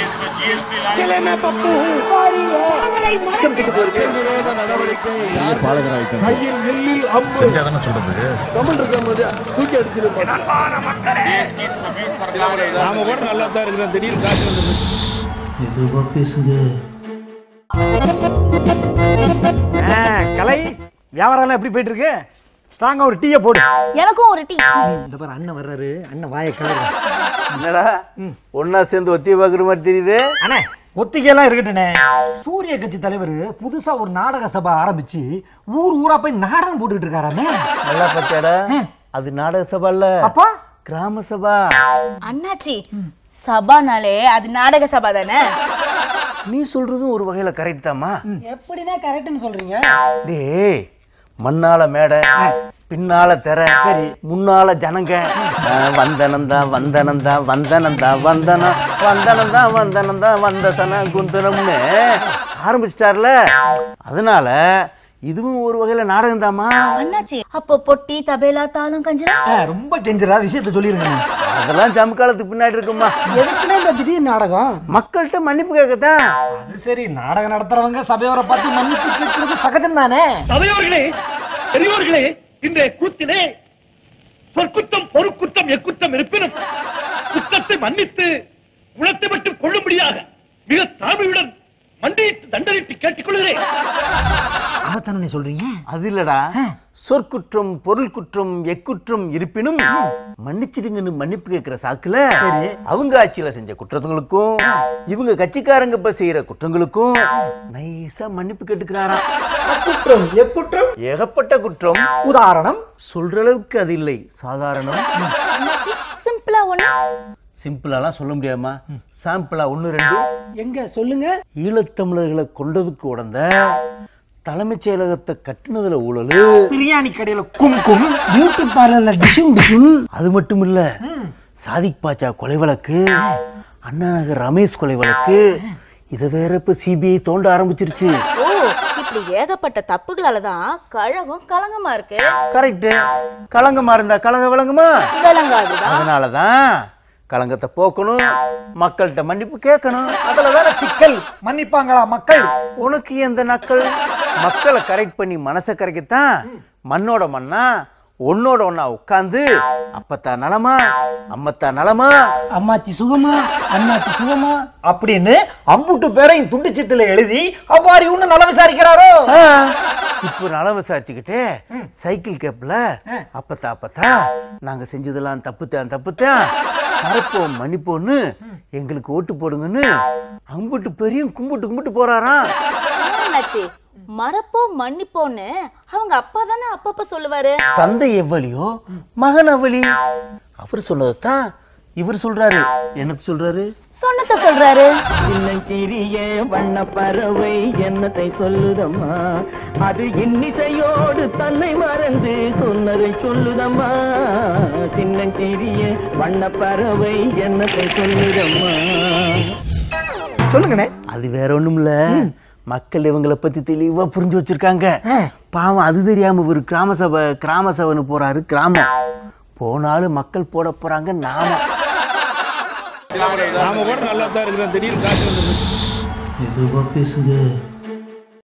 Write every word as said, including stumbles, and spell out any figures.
इसमें जीएसटी लाए के लिए मैं पप्पू हूँ நடவடிக்கை देश की सभी सरकारें நாம கூட நல்லா தான் இருக்கிறோம் திடீர்னு காசு வந்து எதுவா பேசுங்க கலை வியாபாரம் எப்படி போயிட்டு இருக்கு? ஸ்ட்ராங்கா ஒரு டீயை போடு. எனக்கும் ஒரு டீ. இந்த பாரு அண்ணன் வர்றாரு. அண்ணன் வாயை கலரு. என்னடா ஒன்னா சேர்ந்து ஒத்திய பாக்குற மாதிரி தெரியுது. அண்ணே ஒத்திகையெல்லாம் இருக்கட்டுனே. சூரிய கட்சி தலைவர் புதுசா ஒரு நாடக சபை ஆரம்பிச்சு ஊர் ஊரா போய் நாடகம் போட்டுட்டு இருக்காராமே. நல்லா பார்த்தியாடா? அது நாடக சபை இல்ல. அப்பா கிராம சபா. அண்ணாச்சி சபானாலே அது நாடக சபா தானே. நீ சொல்றதும் ஒரு வகையில கரெக்ட் தாமா. எப்படின்னா கரெக்ட்னு சொல்றீங்க? டேய் மண்ணால மேடை பின்னால தெர சரி முன்னால ஜனங்க வந்தனந்தா வந்தனந்தா வந்தனந்தா வந்தனம் வந்தனந்தா வந்தனந்தா வந்தசன குந்தனம்னு ஆரம்பிச்சிட்டார்ல. அதனால இதுவும் ஒரு வகையில நாடகம் தாமா. அண்ணாச்சி அப்போ பொட்டி தபேலா தாளம் கஞ்சரா ரொம்ப கெஞ்சரா விஷயத்தை சொல்லிருங்க. அதெல்லாம் ஜம்காலத்துக்கு பின்னாடி இருக்குமா. எதுக்குன்னா இந்த திடீர் நாடகம் மக்கள்கிட்ட மன்னிப்பு கேட்கத்தான். அது சரி நாடகம் நடத்துறவங்க சபையோரை பார்த்து மன்னிப்பு கேட்கறது சகஜம் தானே. சபையோர்களே பெரியோர்களே இன்றைய கூத்திலே சொற்குற்றம் பொறுக்குற்றம் எக்குற்றம் இருப்பினும் குற்றத்தை மன்னித்து குணத்தை மட்டும் கொள்ளும்படியாக மிக தாழ்மையுடன் மண்டியிட்டு தண்டனைத்து கேட்டுக்கொள்கிறேன். அதானே சொல்றீங்க? அது இல்லடா சொற்குற்றம் பொருள் குற்றம் எக்குற்றம் இருப்பினும் மன்னிச்சிடுங்கன்னு மன்னிப்பு கேட்கிற சாக்குல அவங்க ஆட்சியில செஞ்ச குற்றங்களுக்கும் இவங்க கட்சிக்காரங்க இப்ப செய்யற குற்றங்களுக்கும் நைசா மன்னிப்பு கேட்டுக்கிறாராம். குற்றம் எக்குற்றம் ஏகப்பட்ட குற்றம். உதாரணம் சொல்ற அளவுக்கு அது இல்லை, சாதாரணம். சிம்பிளா ஒண்ணு. சிம்பிளாலாம் சொல்ல முடியாமா, சாம்பிளா ஒன்னு ரெண்டு. எங்க சொல்லுங்க. ஈழத்தமிழர்களை கொண்டதுக்கு உடந்த தலைமைச் செயலகத்தை கட்டினதுல ஊழல், பிரியாணி கடையில கும் கும், பியூட்டி பார்லர்ல டிஷும் டிஷும். அது மட்டும் இல்ல சாதிக் பாட்சா கொலை வழக்கு, அண்ணா நகர் ரமேஷ் கொலை வழக்கு, இதை வேற இப்ப சிபிஐ தோண்ட ஆரம்பிச்சிருச்சு. ஓ இப்படி ஏகப்பட்ட தப்புகளாலதான் கழகம் கலங்கமா இருக்கு. கரெக்ட். கலங்கமா இருந்தா கலங்க விளங்குமா? விளங்காதுதான். அதனாலதான் கலங்கத்தை போக்கணும், மக்கள்கிட்ட மன்னிப்பு கேட்கணும். அதுலதான சிக்கல். மன்னிப்பாங்களா மக்கள்? உனக்கு எந்த நக்கல்? மக்களை கரெக்ட் பண்ணி மனசை கரைக்கத்தான் மண்ணோட மண்ணா ஒன்னோட ஒன்னா உட்காந்து அப்பத்தா நலமா அம்மத்தா நலமா அம்மாச்சி சுகமா அண்ணாச்சி சுகமா அப்படின்னு அம்புட்டு பேரையும் துண்டுச்சீட்டுல எழுதி அவ்வாறு இன்னும் நல விசாரிக்கிறாரோ. இப்போ நலம் விசாரிச்சுக்கிட்டே சைக்கிள் கேப்ல அப்பத்தா அப்பத்தா நாங்க செஞ்சதெல்லாம் தப்புத்தான் தப்புத்தான் மறப்போம் மன்னிப்போன்னு எங்களுக்கு ஓட்டு போடுங்கன்னு அம்புட்டு பெரியும் கும்பிட்டு கும்பிட்டு போறாராம். மறப்போ மன்னிப்போன்னு அவங்க அப்பா தானே அப்பப்ப சொல்லுவாரு. தந்தை எவ்வளியோ மகன் அவளி. அவர் சொன்னதான் இவர் சொல்றாரு. என்னத்தை சொல்றாரு? சொன்னத சொல்றாரு. சின்னஞ்சிறிய வண்ண பறவை என்னத்தை சொல்லுதம்மா, அது இன்னிசையோடு தன்னை மறந்து சொன்னதை சொல்லுதம்மா. சின்னஞ்சிறிய வண்ண பறவை என்னத்தை சொல்லுதம்மா. சொல்லுங்கண்ணே. அது வேற ஒண்ணும் இல்ல, மக்கள் இவங்களை பத்தி தெளிவா புரிஞ்சு வச்சிருக்காங்க. பாவம் அது தெரியாம ஒரு கிராம சபை கிராம சபைன்னு போறாரு. கிராமம் போனாலும் மக்கள் போட போறாங்க. நாம நாம கூட நல்லா தான் இருக்கிறோம் திடீர்னு காசு வந்து எதுவா பேசுங்க.